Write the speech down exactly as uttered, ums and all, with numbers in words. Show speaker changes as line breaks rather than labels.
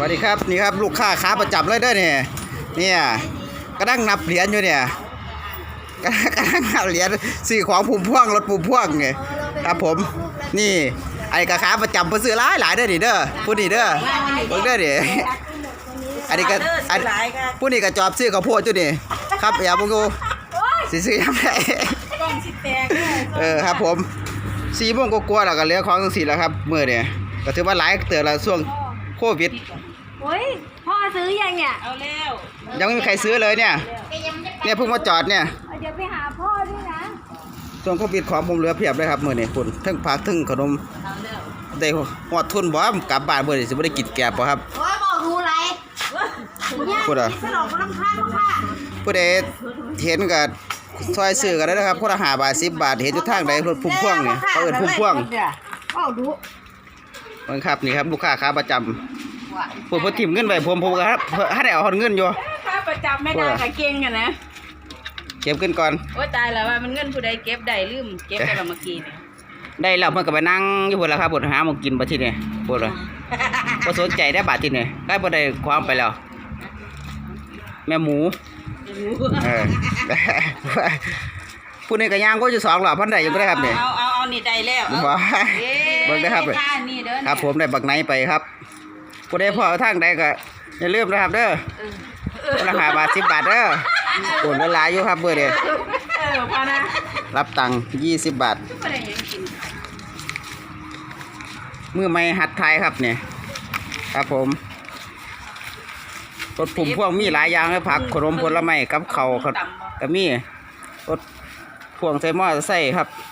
วัสดีครับนี่ครับลูกค้าขาประจำเลยเด้อเนี่ยเนี่ยกระดังนับเหรียญอยู่เนี่ยกระดังนับเหรียญซื้อของพุ่มพ่วงรถพุ่มพ่วงไงครับผมนี่ไอ้กระขาประจำเพิ่นซื้อหลายหลายเด้อนี่เด้อผู้นี้เด้อเบิ่งเด้อนี่อันนี้ก็อันผู้นี้ก็จอบซื้อข้าวโพดอยู่นี่ครับอย่าบ่งดูสิซื้อยังไงเออครับผมสี่โมงกว่าๆแล้วก็เหลือของจังซี่แล้วครับมื้อเนี่ยก็ถือว่าหลายเตือนละช่วงโควิด
โอ้ยพ่อซื้อยังเนี่ยเอาแล้ว
ยังไม่มีใครซื้อเลยเนี่ยเนี่ยเพิ่งมาจอดเนี่ย
เดี๋ยวไปหาพ่อด้วยนะ
ช่วงโควิดของผมเหลือเพียบเลยครับมื้อนี้คุณทั้งผักทั้งขนมได้หอดทุนบ่กลับบ้านมื้อนี้สิบ่ได้กินแกบบ่ครับ
โอ้ยบอกดูไร
พูดอ่ะผู้ใดเห็นก็ซอยซื้อกันได้นะครับคนละห้าบาทสิบบาทเห็นอยู่ทางใดรถพุ่มพวงนี่เขาเอิ้นพุ่มพวง
เอาดู
มันครับนี่ครับลูกค้าขาประจำผมเพิ่นทิ่มเงินไว้ผมผมก็ครับให้ได้เอาเงินอยู่
ค่าประจำไม่ได้ก็เก่งอ่ะนะ
เก็บเงินก่อน
โอ้ตายแล้วว่ามันเงินผู้ใดเก็บได้ลืมเก็บไปแล้วเมื่อกี้นี่
ได้แล้วเพิ่นก็ไปนั่งอยู่พุ่นล่ะครับพุ่นหาหมองกินบัดทีนี้พุ่นล่ะบ่สนใจได้บาดทีนี้ได้บ่ได้ความไปแล้วแม่หมูเออผู้นี้ก็ย่างก็อยู่สองรอบพันได้อยู่บ่ได้ครับนี่
เอาเอาเอานี่ได้แล้ว
บ่เบิ่งได้ครับครับผมได้บักไหนไปครับผู้ใดพอทางใดก็อย่าลืมนะครับเด้อคนละห้าบาทสิบบาทเด้อโอนหลายอยู่ครับเบอร์เด้อ
เออพอนะ
รับตังค์ยี่สิบบาทมือไม้หัดไทยครับเนี่ยครับผมรถพุ่มพวงมีหลายอย่างเลยผักขนมผลไม้กับเข่าก็มีรถพวงใส่หม้อใส่ครับ